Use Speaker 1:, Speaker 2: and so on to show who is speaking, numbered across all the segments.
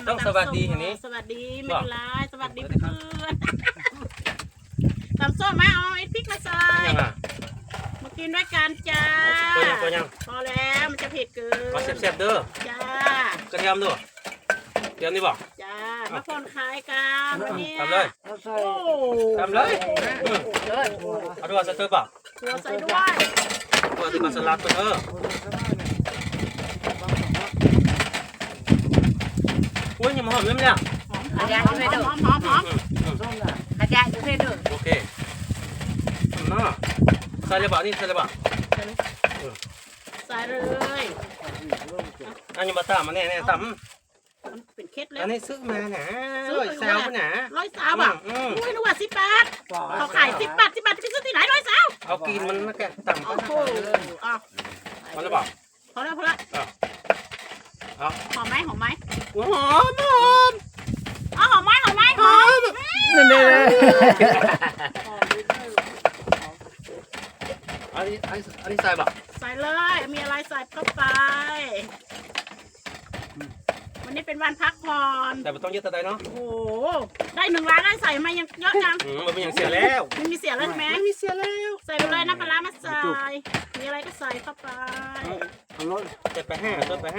Speaker 1: ต้องสวัสดีเห็นนี้
Speaker 2: สวัสดีไม่เป็นไรสวัสดีเพื่อนตำส้มไหมเอาไอ้พริกมาใส่มากินด้วยกันจ้าพอแล้วมันจะเผ็ดเกิน
Speaker 1: มาแซ่บๆเด้อ
Speaker 2: จ้าก
Speaker 1: ระเทียมด้วยเทียมนี่บอก
Speaker 2: จ้ามาผ่อนคลายกันเนี่ย
Speaker 1: ทำเลยทำเลยเอาด้วยสเตอร์ป่ะ
Speaker 2: ถั่วใส่ด้วย
Speaker 1: ตัวที่มาสลัดตัวอุ้ยยังหอมเลยเนี่ย
Speaker 2: หอมขยะอยู่ให้ดูหอมขยะอยู่ให้ดู
Speaker 1: โอเคน่าใส่เลยบ่นี่ใส่เลยบ่
Speaker 2: ใส่เลย
Speaker 1: อันนี้มาตำมาแน่ๆตำ
Speaker 2: มันเป็นเคล็ดแล้ว
Speaker 1: อันนี้ซื้อมาหนา100 ซาวหนา
Speaker 2: 100 ซาวอ่ะอุ้ยนึกว่า10 บาทเขาขาย10 บาทไปซื้อที่ไหน100 ซาว
Speaker 1: เอากินมันนะแกตำ
Speaker 2: โอ้โห
Speaker 1: พอแล้วบ่
Speaker 2: พอแล้วหอมไหม
Speaker 1: หอมหอม
Speaker 2: อ๋อหอมไหม
Speaker 3: นี่
Speaker 1: อันนี้ใส่บ่
Speaker 2: ใส่เลยมีอะไรใส่เข้าไปวันนี้เป็นวันพักผ่อน
Speaker 1: แต่ไม่ต้องเยอะแต่ใดเนาะ
Speaker 2: โอ้โหได้1 ล้านได้ใส่มายังเยอะจัง
Speaker 1: มันเป็นอย่างเสียแล้ว
Speaker 2: มันมีเสียแล้วใช่ไหม
Speaker 1: มีเสียแล้ว
Speaker 2: ใส่ไปเลยน้ำปลามาใส่มีอะไรก็ใส่เข้าไป
Speaker 1: เจ็ดไปห้าตัว
Speaker 2: ปลา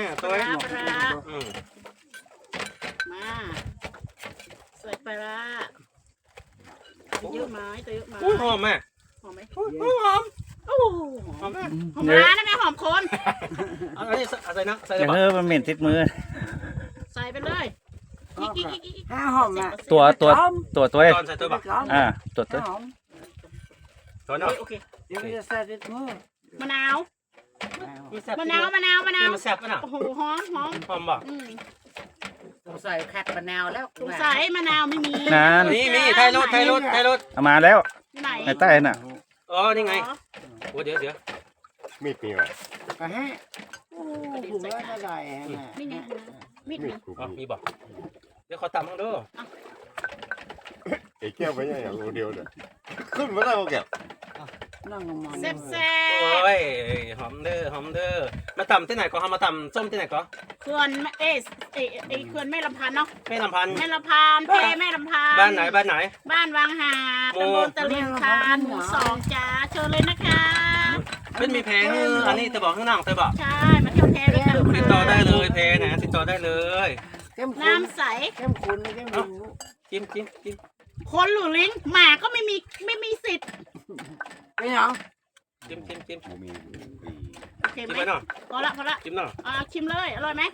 Speaker 2: มาใส่ปลาเยอะไหม
Speaker 1: หอมไหม
Speaker 2: หอมไหม
Speaker 1: หอม
Speaker 2: หอมร้านนะแม่หอมคน
Speaker 1: อันนี้ใส่นะใส่
Speaker 3: อย่างมันเหม็นติดมือ
Speaker 2: ใส่ไปเลย
Speaker 4: หอมอ่ะ
Speaker 3: ตัว
Speaker 1: ตอนใส่ตัวบ่
Speaker 3: ตัว
Speaker 1: ตัวเนาะ
Speaker 4: โอเคเดี๋ยวจะใส่ติดมือ
Speaker 2: มะนาวมันแซ่บ
Speaker 1: ป่ะน่ะ
Speaker 2: โอ้โหหอม
Speaker 1: บ่
Speaker 4: ใส่แคทมะนาวแล้ว
Speaker 2: ใส่มะนาวไม่มี
Speaker 1: มีไทยรถ
Speaker 3: เอามาแล้ว
Speaker 2: ไหน
Speaker 3: ในใต้น่ะ
Speaker 1: อ๋อนี่ไงโอ้เดี๋ยว
Speaker 5: มีดมีอะไร
Speaker 4: ฮะโอ้ผมว่าอะไร
Speaker 2: นี่ไงมีด
Speaker 1: มีบ่เดี๋ยวขอตำมั่งด้วย
Speaker 5: ไอ้แก้วไปยังอย่างเดียวเลยขึ้นมาได้ก็แก้ว
Speaker 2: แซ่บ
Speaker 1: โอ้ยหอมเด้อมาตำที่ไหนก็มาตำส้มที่ไหนก็
Speaker 2: เขื่อนเขื่อนแม่ลำพันเนาะ
Speaker 1: แม่ลำพัน
Speaker 2: แม่ลำพัน
Speaker 1: บ้านไหน
Speaker 2: บ้านวังหาตำบลตะเลียงคานหมู่2จ้าเชิญเลยนะคะ
Speaker 1: เป็นมีแพงอันนี้จะบอกข้างนอกจะบอก
Speaker 2: ใช่มาเที่ยวแพด้วยกัน
Speaker 1: ติดต่อได้เลยแพนะติดต่อได้เลย
Speaker 2: น้ำใส
Speaker 4: เข้มข้นเข้มข้น
Speaker 1: จิ้ม
Speaker 2: คนหรือลิงหมาก็ไม่มีสิทธิ์
Speaker 4: ไม่หรอ
Speaker 1: จิ้ม
Speaker 2: โอเคไหมพอละ
Speaker 1: จิ้มหน่อย
Speaker 2: ชิมเลยอร่อยไหม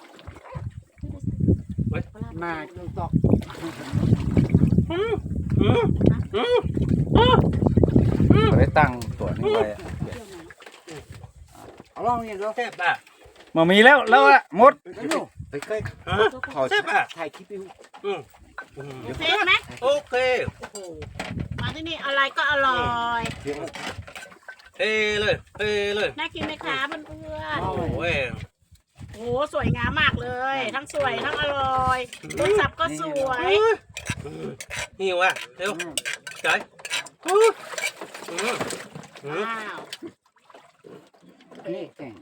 Speaker 4: มาจนตก
Speaker 3: ได้ตั้งตัวนี้ไว้
Speaker 4: เอาลองนี่ดู
Speaker 1: แซ่บอ่ะ
Speaker 3: มามีแล้วอ่ะหมด
Speaker 4: ไปใกล้
Speaker 1: ขอแซ่บอ่ะ
Speaker 4: ถ่ายคลิปอยู่
Speaker 2: โอเคไหม
Speaker 1: โอเค
Speaker 2: มาที่นี่อะไรก็อร่อย
Speaker 1: เฮ้เลย
Speaker 2: น่ากินไหมคะเพื่อน
Speaker 1: โอ้ย
Speaker 2: โอ้สวยงามมากเลยทั้งสวยทั้งอร่อยรสสับก็สวย
Speaker 1: หิวอ่ะเร็วใจ
Speaker 2: ว้าว
Speaker 4: นี่เก่ง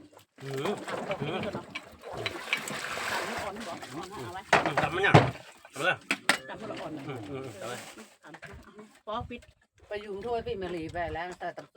Speaker 1: ทำมันยังทำเลย
Speaker 2: พอปิด
Speaker 4: ไปอยู่ทั่วพี่มาลีไปแล้วแต่